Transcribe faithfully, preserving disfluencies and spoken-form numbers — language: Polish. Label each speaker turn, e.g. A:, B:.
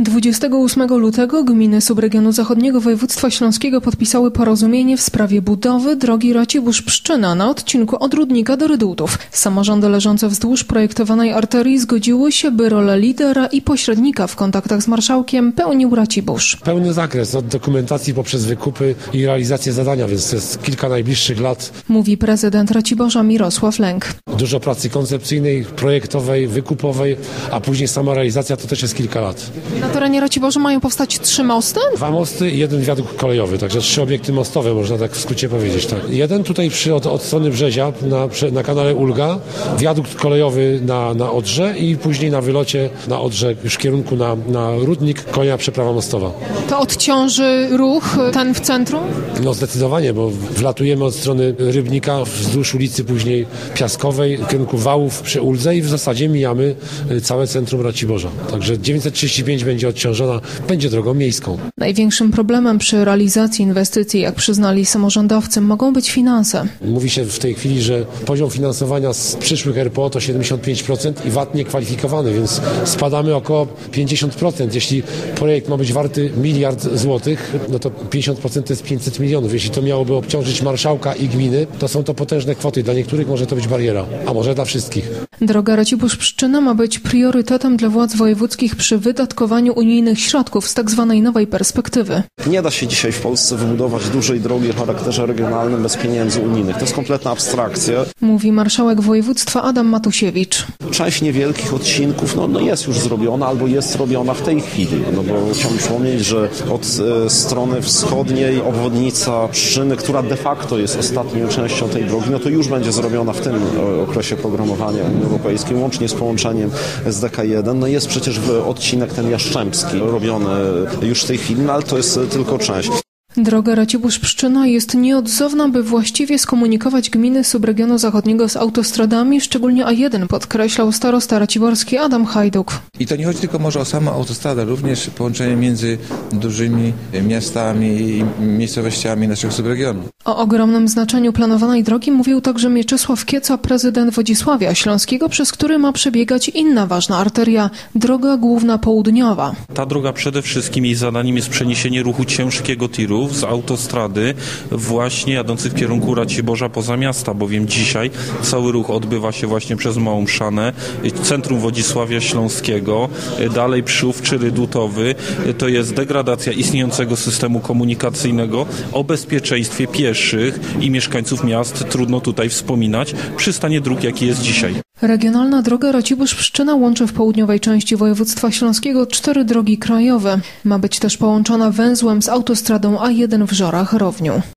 A: dwudziestego ósmego lutego gminy subregionu zachodniego województwa śląskiego podpisały porozumienie w sprawie budowy drogi Racibórz-Pszczyna na odcinku od Rudnika do Rydutów. Samorządy leżące wzdłuż projektowanej arterii zgodziły się, by rolę lidera i pośrednika w kontaktach z marszałkiem pełnił Racibórz.
B: Pełny zakres od dokumentacji poprzez wykupy i realizację zadania, więc to jest kilka najbliższych lat.
A: Mówi prezydent Raciborza Mirosław Lęk.
B: Dużo pracy koncepcyjnej, projektowej, wykupowej, a później sama realizacja to też jest kilka lat.
A: Na terenie Raciborza mają powstać trzy mosty?
B: Dwa mosty i jeden wiadukt kolejowy, także trzy obiekty mostowe, można tak w skrócie powiedzieć. Tak. Jeden tutaj przy, od, od strony Brzezia, na, na kanale Ulga, wiadukt kolejowy na, na Odrze i później na wylocie na Odrze już w kierunku na, na Rudnik, kolejna przeprawa mostowa.
A: To odciąży ruch ten w centrum?
B: No zdecydowanie, bo wlatujemy od strony Rybnika wzdłuż ulicy później Piaskowej w kierunku Wałów przy Uldze i w zasadzie mijamy całe centrum Raciborza. Także dziewięćset trzydzieści pięć będzie odciążona, będzie drogą miejską.
A: Największym problemem przy realizacji inwestycji, jak przyznali samorządowcy, mogą być finanse.
B: Mówi się w tej chwili, że poziom finansowania z przyszłych R P O to siedemdziesiąt pięć procent i V A T niekwalifikowany, więc spadamy około pięćdziesiąt procent. Jeśli projekt ma być warty miliard złotych, no to pięćdziesiąt procent to jest pięćset milionów. Jeśli to miałoby obciążyć marszałka i gminy, to są to potężne kwoty. Dla niektórych może to być bariera, a może dla wszystkich.
A: Droga Racibórz-Pszczyna ma być priorytetem dla władz wojewódzkich przy wydatkowaniu unijnych środków z tzw. nowej perspektywy.
C: Nie da się dzisiaj w Polsce wybudować dużej drogi o charakterze regionalnym bez pieniędzy unijnych. To jest kompletna abstrakcja.
A: Mówi marszałek województwa Adam Matusiewicz.
C: Część niewielkich odcinków no, no jest już zrobiona albo jest robiona w tej chwili. No bo chciałbym przypomnieć, że od e, strony wschodniej obwodnica Pszczyny, która de facto jest ostatnią częścią tej drogi, no to już będzie zrobiona w tym e, okresie programowania Unii Europejskiej, łącznie z połączeniem z D K jeden. No jest przecież odcinek ten Jastrzębski robiony już w tej chwili, no ale to jest tylko część.
A: Droga Racibórz-Pszczyna jest nieodzowna, by właściwie skomunikować gminy subregionu zachodniego z autostradami, szczególnie A jeden, podkreślał starosta raciborski Adam Hajduk.
D: I to nie chodzi tylko może o samą autostradę, również połączenie między dużymi miastami i miejscowościami naszego subregionu.
A: O ogromnym znaczeniu planowanej drogi mówił także Mieczysław Kieca, prezydent Wodzisławia Śląskiego, przez który ma przebiegać inna ważna arteria, droga główna południowa.
E: Ta droga przede wszystkim jej zadaniem jest przeniesienie ruchu ciężkiego tirów z autostrady właśnie jadących w kierunku Raciborza poza miasta, bowiem dzisiaj cały ruch odbywa się właśnie przez Małą Mszanę, centrum Wodzisławia Śląskiego, dalej Przyłów czy Rydutowy. To jest degradacja istniejącego systemu komunikacyjnego. O bezpieczeństwie pieszych i mieszkańców miast trudno tutaj wspominać przy stanie dróg, jaki jest dzisiaj.
A: Regionalna droga Racibórz-Pszczyna łączy w południowej części województwa śląskiego cztery drogi krajowe. Ma być też połączona węzłem z autostradą A jeden w Żorach-Rowniu.